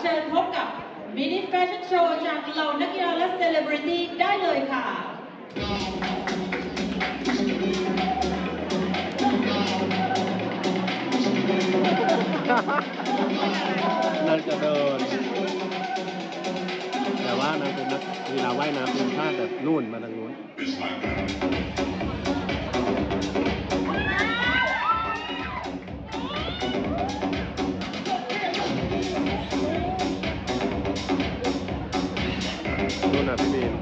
เชิญพบกับมินิแฟชั่นโชว์จากเหล่านักกีฬาและเซเลบริตี้ได้เลยค่ะนางจะเดินแต่ว่านางเป็นนักกีฬาว่ายน้ำทีมชาติแบบนู่นมาทางนู้นนู่นน่ะพี่มีน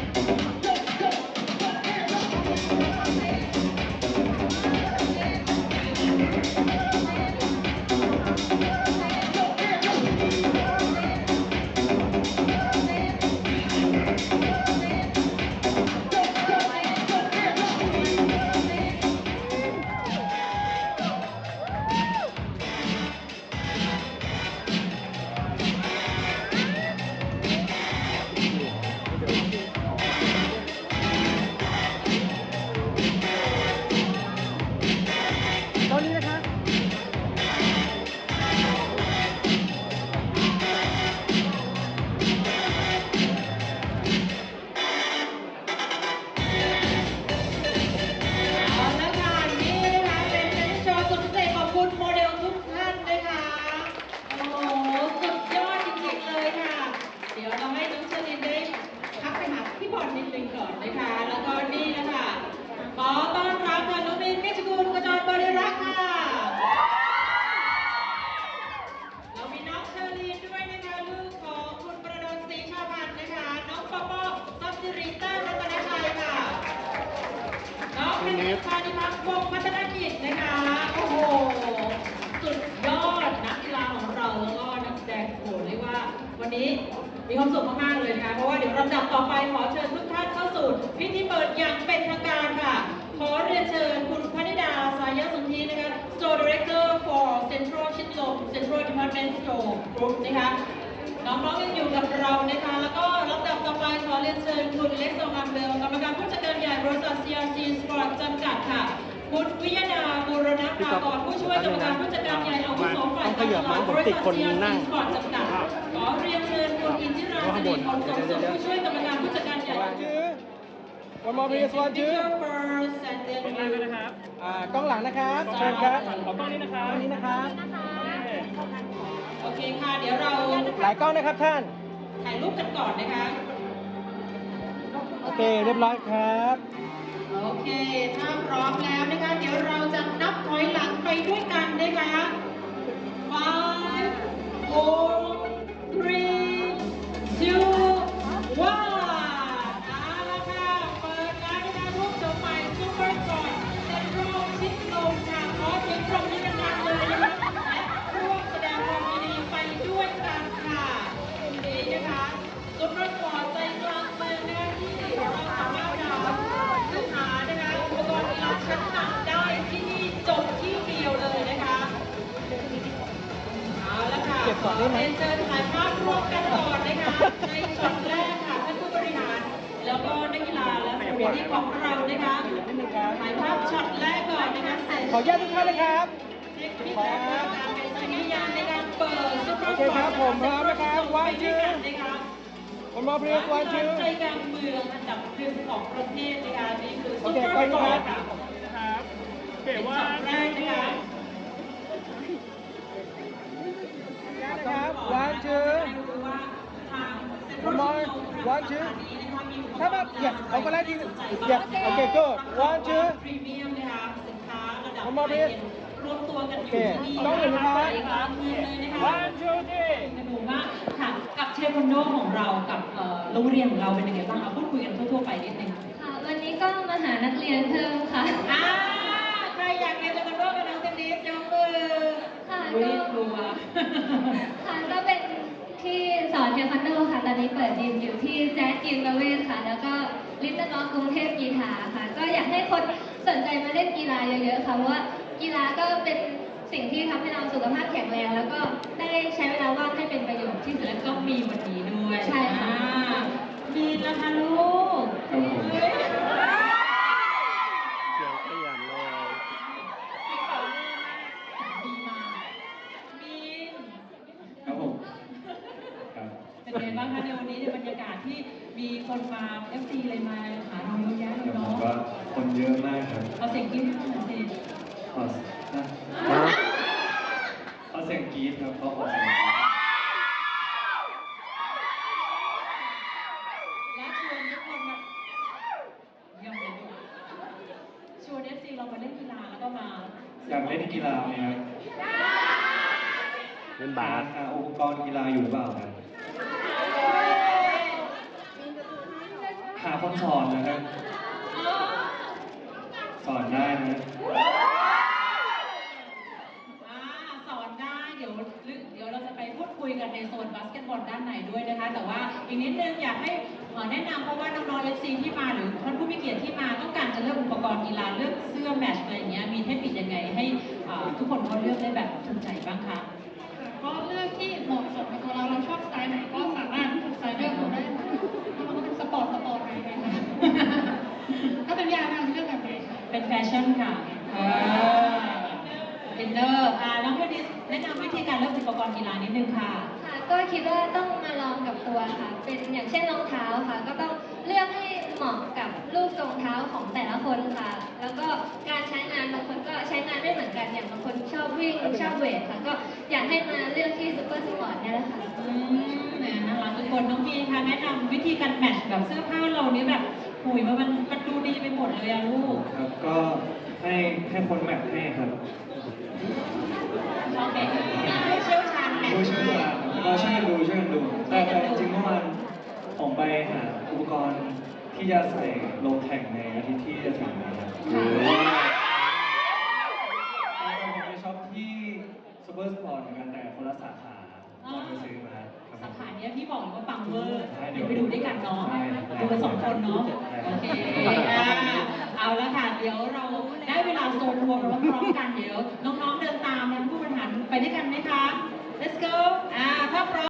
นิดนึงก่อนนะคะแล้วก็นี่นะคะขอต้อนรับค่ะน้องมินเมฆกุลกจรบริรักษ์ค่ะเรามีน้องเชอรีนด้วยนะคะลูกของคุณประดลศรีชาพันธ์นะคะน้องปอปอซับซิริต้ารัตนชัยค่ะน้องเป็นพานิพักษ์วงศ์พัฒนกิจนะคะโอ้โหสุดยอดนักกีฬาของเราแล้วก็นักแสดงโอ้เรียกว่าวันนี้มีความสุขมากๆเลยนะคะเพราะว่าเดี๋ยวลำดับต่อไปขอเชิญทุกท่านเข้าสู่พิธีเปิดอย่างเป็นทางการค่ะขอเรียนเชิญคุณพนิดาสายสนธินะคะ Store Director for Central ชิดลม Central Department Store Group นะคะน้องๆยังอยู่กับเรานะคะแล้วก็ลำดับต่อไปขอเรียนเชิญคุณเล็กโซงัมเบลกรรมการผู้จัดการใหญ่บริษัท CRC Sport จำกัดค่ะคุณวิยดาบูรณภากรผู้ช่วยกรรมการผู้จัดการใหญ่อาวุโสฝ่ายการตลาดบริษัท CRC Sport จำกัดขอเรียนเชิญคุณอินทิราสิริผลสมสุขผู้ช่วยกรรมการผู้จัดการใหญ่วันมอพีสวันชื่อนะครับกล้องหลังนะครับเชิญครับขอกล้องนี้นะครับกล้องนี้นะครับโอเคค่ะเดี๋ยวเราหลายกล้องนะครับท่านถ่ายรูปกันก่อนนะคะโอเคเรียบร้อยครับโอเคถ้าพร้อมแล้วนะคะเดี๋ยวเราจะนับถอยหลังไปด้วยกันนะคะ 5 4 3 2 1เอาละค่ะเปิดแล้วนะคะรูปโฉมใหม่ซุปเปอร์สปอร์ตเซ็นทรัลชิดลมค่ะขอเสียงปรบมือดังๆเลยนะคะและร่วมแสดงความยินดีไปด้วยกันค่ะนี่นะคะซุปเปอร์สปอร์ตใจกลางเมืองนะคะที่เราสามารถซื้อหานะคะอุปกรณ์กีฬาชั้นนำได้ที่นี่จบที่เดียวเลยนะคะเอาละค่ะขอเรียนเชิญถ่ายภาพร่วมกันก่อนนะคะในช็อตแรกค่ะท่านผู้บริหารแล้วก็นักกีฬาและสมาชิกของเรานะคะถ่ายภาพช็อตแรกก่อนนะคะขออนุญาตทุกท่านนะครับเช็คพิธีการเป็นสัญญาณในการเปิดซุปเปอร์สปอร์ตโอเคครับผมพร้อมนะครับวันชื่อวันมอพีสวันชื่อใจกลางเมืองอันดับหนึ่งของประเทศนะคะนี่คือซุปเปอร์สปอร์ตนะครับเก๋ว่าแรกนะคะนะครับวันชื่อวันมอวันชื่อถ้าแบบเหยียบเอาก็ได้ทีเหยียบโอเคก็วันชื่อพรีเมียมนะคะสินค้าระดับวันมอพีรวมตัวกันอยู่ที่นี่ต้องเห็นไหมครับเลยนะคะวันชื่อที่สนุกมากค่ะกับเทควันโดของเรากับโรงเรียนของเราเป็นยังไงบ้างเอาพูดคุยกันทั่วๆไปนิดนึงค่ะวันนี้ก็มาหานักเรียนเพิ่มค่ะใครอยากเรียนเทควันโดกับน้องเทนนิสยกมือค่ะกลัวค่ะก็เป็นที่สอนเทควันโดค่ะตอนนี้เปิดยิมอยู่ที่แจ๊สยิมระเวศค่ะแล้วก็ลิตเติ้ลน้องกรุงเทพกีฬาค่ะก็อยากให้คนสนใจมาเล่นกีฬาเยอะๆค่ะเพราะว่ากีฬาก็เป็นสิ่งที่ทำให้เราสุขภาพแข็งแรงแล้วก็ได้ใช้เวลาว่างให้เป็นประโยชน์ที่สุดแล้วก็มีวันนี้ด้วยใช่ค่ะมีนะคะลูกเสียงขยันเลยมีมามีครับผมเป็นไงบ้างคะในวันนี้ในบรรยากาศที่มีคนมา FC เลยมาหาเราเยอะแยะเลยผมเนาะว่าคนเยอะมากครับเอาเสียงกรี๊ดให้ฟังหน่อยสิขอนะฮะขอเสียงกรี๊ดครับเขาขอเสียงกรี๊ดและชวนทุกคนมาเยี่ยมเลยลูกชวน FC เรามาเล่นกีฬาแล้วก็มาอยากเล่นกีฬาไหมครับเล่นบาสหาอุปกรณ์กีฬาอยู่หรือเปล่าครับหาคนสอนนะครับ สอนได้นะสอนได้เดี๋ยวเราจะไปพูดคุยกันในโซนบาสเกตบอลด้านในด้วยนะคะ แต่ว่าอีกนิดนึงอยากให้แนะนำเพราะว่าน้องๆ FC ที่มาหรือท่านผู้มีเกียรติที่มาต้องการจะเลือกอุปกรณ์กีฬาเลือกเสื้อแมตช์อะไรอย่างเงี้ยมีเทคนิคยังไงให้ทุกคนเขาเลือกได้แบบถูกใจบ้างคะก็เลือกที่เหมาะสมกับตัวเราชอบสไตล์ไหนก็สามารถใส่เลือกเราได้หมดถ้ามันก็เป็นสปอร์ตไหนไหมคะถ้าเป็นยาเราเลือกแบบไหนคะเป็นแฟชั่นค่ะอินเนอร์น้องเทนนิสแนะนำวิธีการเลือกอุปกรณ์กีฬานิดนึงค่ะค่ะก็คิดว่าต้องมาลองกับตัวค่ะ เป็นอย่างเช่นรองเท้าค่ะ ก็ต้องเลือกให้เหมาะกับรูปทรงเท้าของแต่ละคนค่ะ แล้วก็การใช้งานบางคนก็ใช้งานไม่เหมือนกันอย่างบางคนชอบวิ่งชอบเวทค่ะ ก็อยากให้มาเลือกที่ซูเปอร์สปอร์ตเนี่ยแหละค่ะเนี่ยน่ารักทุกคนน้องพีคะแนะนำวิธีการแมทช์กับเสื้อผ้าเรานี้แบบหุยมันดูดีไปหมดเลยอะลูกครับก็ให้คนแมทให้ครับโอเคผู้เชี่ยวชาญแมทผู้ช์เชี่ยวชาญครับก็ช่วยกันดู แต่จริงๆเมื่อวานผมไปหาอุปกรณ์ที่จะใส่ลงแข่งในอาทิตย์ที่จะถึงนี้ครับ ผมไปช็อปที่ซูเปอร์สปอร์ตเหมือนกันแต่คนละสาขาตอนไปซื้อมาครับผสาม ขาเนี้ยพี่บอกเลยว่าปังเวอร์ใช่เดี๋ยวไปดูด้วยกันเนาะใช่ดูกัน2 คนเนาะใช่โอเคเอาละค่ะ เดี๋ยวเราได้เวลาโซนทัวร์พร้อมๆกันเดี๋ยวน้องๆเดินตามนะผู้บริหารไปด้วยกันไหมคะ let's go ถ้าพร้อม